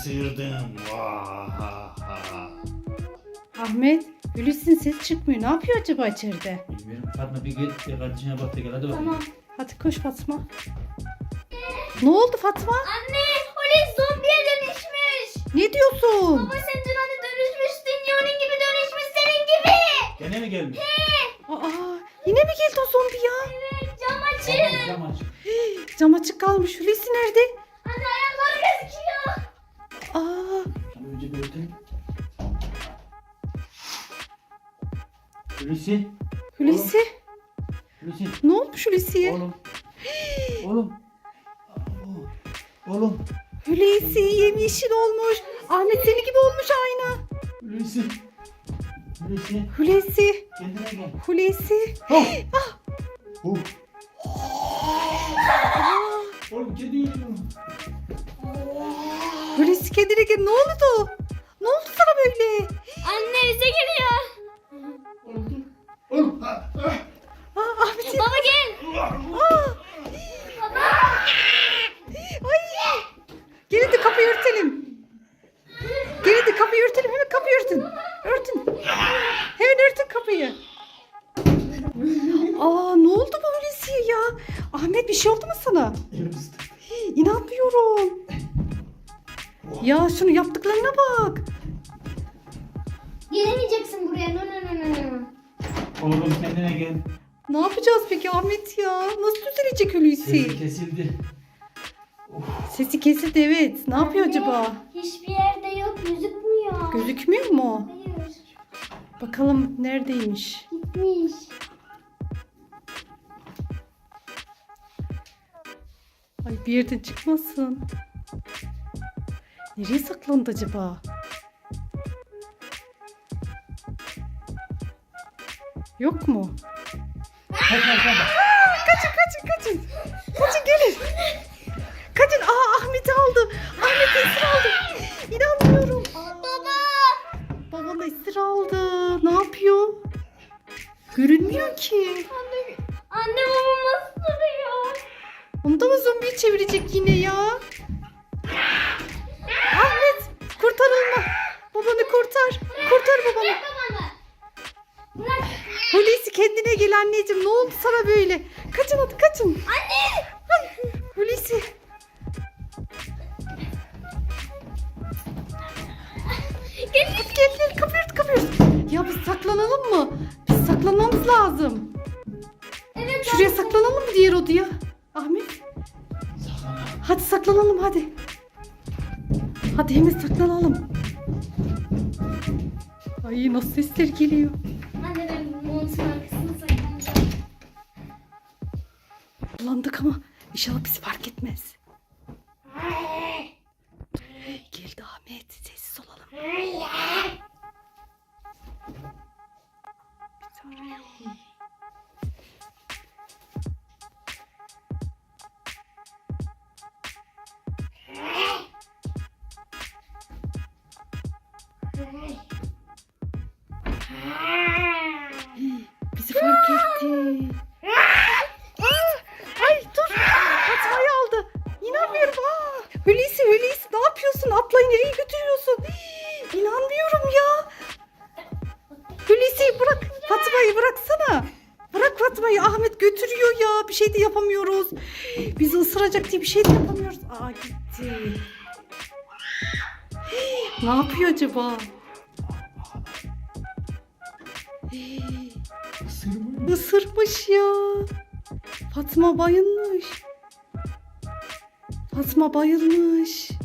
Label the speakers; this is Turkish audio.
Speaker 1: sıyırdım. Vahaha.
Speaker 2: Ahmet, Hulusi'nin ses çıkmıyor. Ne yapıyor acaba içeride?
Speaker 1: Bilmiyorum. Fatma bir gel. Bir kardeşine bak da gel. Hadi bakalım.
Speaker 3: Tamam.
Speaker 2: Hadi koş Fatma. Ne oldu Fatma?
Speaker 3: Anne, Hulusi zombiye dönüşmüş.
Speaker 2: Ne diyorsun?
Speaker 3: Baba sen dün hani dönüşmüştün ya, onun gibi dönüşmüş senin gibi.
Speaker 1: Gene mi gelmiş?
Speaker 2: Aa, yine mi geldi o zombi ya?
Speaker 3: Evet, cam açın.
Speaker 1: Cam aç.
Speaker 2: Cam açık kalmış. Hulusi nerede?
Speaker 3: Anne ayakları gözüküyor.
Speaker 2: Aa,
Speaker 1: Önce bir ötelim. Hulusi.
Speaker 2: Hulusi.
Speaker 1: Hulusi.
Speaker 2: Ne olmuş Hulusi'ye?
Speaker 1: Oğlum. Oğlum. Oğlum.
Speaker 2: Hulusi yemyeşil olmuş. Ahmet seni gibi olmuş aynı.
Speaker 1: Hulusi. Hulusi.
Speaker 2: Hulusi.
Speaker 1: Kendine gel.
Speaker 2: Hulusi.
Speaker 1: Oh. Oh. Oğlum kedi yiyor.
Speaker 2: Hulusi kendine gel. Ne oldu? Ne oldu sana böyle?
Speaker 3: Anne bize geliyor.
Speaker 1: Oğlum dur. Oğlum.
Speaker 2: Aa, Ahmet.
Speaker 3: Baba gel.
Speaker 2: Aa. Ay. Gelin de kapıyı örtelim. Gelin de kapıyı örtelim. Hemen kapıyı örtün. Örtün. Hemen örtün kapıyı. Aa, ne oldu bu Hulusi'ye ya? Ahmet bir şey oldu mu sana? İnanmıyorum. Ya şunu yaptıklarına bak.
Speaker 3: Gelemeyeceksin buraya. No no no no no.
Speaker 1: Oğlum kendine gel.
Speaker 2: Ne yapacağız peki Ahmet ya? Nasıl düzelecek Hulusi?
Speaker 1: Sesi kesildi.
Speaker 2: Sesi kesildi evet. Ne yapıyor
Speaker 3: Anne,
Speaker 2: acaba?
Speaker 3: hiçbir yerde yok, gözükmüyor.
Speaker 2: Gözükmüyor mu?
Speaker 3: Hayır,
Speaker 2: Bakalım neredeymiş?
Speaker 3: gitmiş.
Speaker 2: Ay bir yerden çıkmasın. Nereye saklandı acaba? Yok mu? Kaçın kaçın. Kaçın gelin. Kaçın. Aa Ahmet'i aldı. Ahmet esir aldı. İnanmıyorum.
Speaker 3: Baba.
Speaker 2: Babam esir aldı. Ne yapıyor? Görünmüyor ki.
Speaker 3: Anne babam nasıl duruyor?
Speaker 2: Onu da mı zombiyi çevirecek yine ya? Ahmet kurtarılma. Babanı kurtar. Kurtar babanı.
Speaker 3: Bırak babanı. Bırak.
Speaker 2: Hulusi kendine gel anneciğim. Ne oldu sana böyle? Kaçın hadi kaçın.
Speaker 3: Anne.
Speaker 2: Ay, Hulusi. Gel kapıyı ört. Ya biz saklanalım mı? Biz saklanmamız lazım.
Speaker 3: Evet.
Speaker 2: Şuraya saklanalım mı diğer odaya? Ahmet. Hadi saklanalım hadi. Hadi hemen saklanalım. Ay nasıl sesler geliyor.
Speaker 3: Anne ben montun arkasına saklanacağım.
Speaker 2: Bulandık ama inşallah bizi fark etmez. Geldi Ahmet. Sessiz olalım. Bizi arıyor. Bizi fark etti. Ay dur. Fatma'yı aldı. İnanmıyorum. Hulusi ne yapıyorsun? Ablayı nereye götürüyorsun? İnanmıyorum ya. Hulusi bırak. Fatma'yı bıraksana. Bırak Fatma'yı. Ahmet götürüyor ya. Bir şey de yapamıyoruz. Bizi ısıracak diye bir şey de yapamıyoruz. Aa gitti. Ne yapıyor acaba? Isırmış ya. Fatma bayılmış. Fatma bayılmış.